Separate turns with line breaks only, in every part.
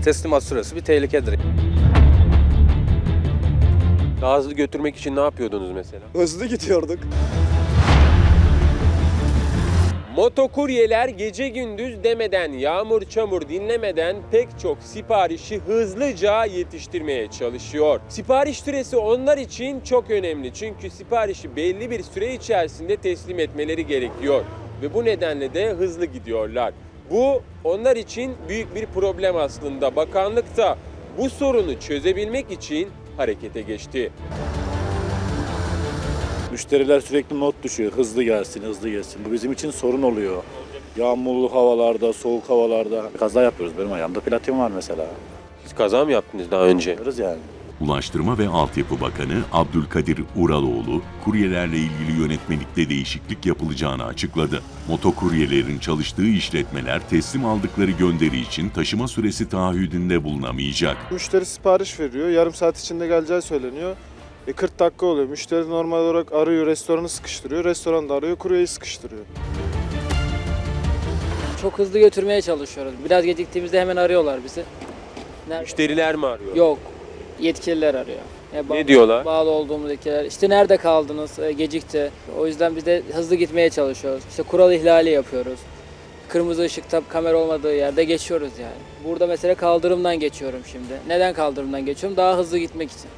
Teslimat süresi bir tehlikedir.
Daha hızlı götürmek için ne yapıyordunuz mesela?
Hızlı gidiyorduk.
Motokuryeler gece gündüz demeden, yağmur çamur dinlemeden pek çok siparişi hızlıca yetiştirmeye çalışıyor. Sipariş süresi onlar için çok önemli. Çünkü siparişi belli bir süre içerisinde teslim etmeleri gerekiyor. Ve bu nedenle de hızlı gidiyorlar. Bu onlar için büyük bir problem aslında. Bakanlık da bu sorunu çözebilmek için harekete geçti.
Müşteriler sürekli not düşüyor. Hızlı gelsin, hızlı gelsin. Bu bizim için sorun oluyor. Yağmurlu havalarda, soğuk havalarda kaza yapıyoruz. Benim ayağımda platin var mesela.
Siz kaza mı yaptınız daha önce?
Yapıyoruz yani.
Ulaştırma ve Altyapı Bakanı Abdülkadir Uraloğlu, kuryelerle ilgili yönetmelikte değişiklik yapılacağını açıkladı. Motokuryelerin çalıştığı işletmeler teslim aldıkları gönderi için taşıma süresi taahhüdünde bulunamayacak.
Müşteri sipariş veriyor. Yarım saat içinde geleceği söyleniyor. 40 dakika oluyor. Müşteri normal olarak arıyor, restoranı sıkıştırıyor. Restoran da arıyor, kuryeyi sıkıştırıyor.
Çok hızlı götürmeye çalışıyoruz. Biraz geciktiğimizde hemen arıyorlar bizi.
Müşteriler mi arıyor?
Yok, yetkililer arıyor.
Ne diyorlar?
Bağlı olduğumuz yetkililer. İşte nerede kaldınız, gecikti. O yüzden biz de hızlı gitmeye çalışıyoruz. İşte kural ihlali yapıyoruz. Kırmızı ışıkta kamera olmadığı yerde geçiyoruz yani. Burada mesela kaldırımdan geçiyorum şimdi. Neden kaldırımdan geçiyorum? Daha hızlı gitmek için.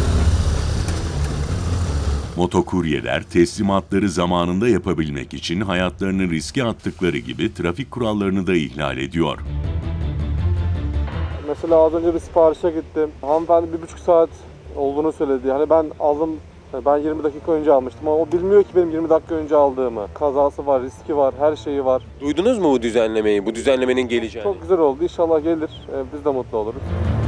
Motokuryeler teslimatları zamanında yapabilmek için hayatlarını riske attıkları gibi trafik kurallarını da ihlal ediyor.
Mesela az önce bir siparişe gittim. Hanımefendi 1,5 saat olduğunu söyledi. Hani ben aldım, ben 20 dakika önce almıştım ama o bilmiyor ki benim 20 dakika önce aldığımı. Kazası var, riski var, her şeyi var.
Duydunuz mu bu düzenlemeyi, bu düzenlemenin geleceğini?
Çok güzel oldu. İnşallah gelir. Biz de mutlu oluruz.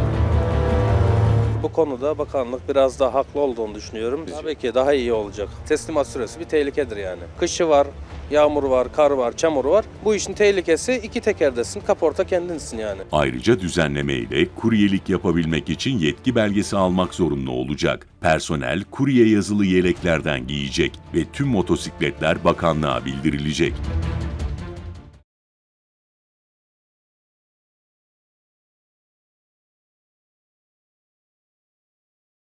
Bu konuda bakanlık biraz daha haklı olduğunu düşünüyorum. Tabii ki daha iyi olacak. Teslimat süresi bir tehlikedir yani. Kışı var, yağmur var, kar var, çamur var. Bu işin tehlikesi iki tekerdesin, kaporta kendinsin yani.
Ayrıca düzenleme ile kuryelik yapabilmek için yetki belgesi almak zorunlu olacak. Personel kurye yazılı yeleklerden giyecek ve tüm motosikletler bakanlığa bildirilecek.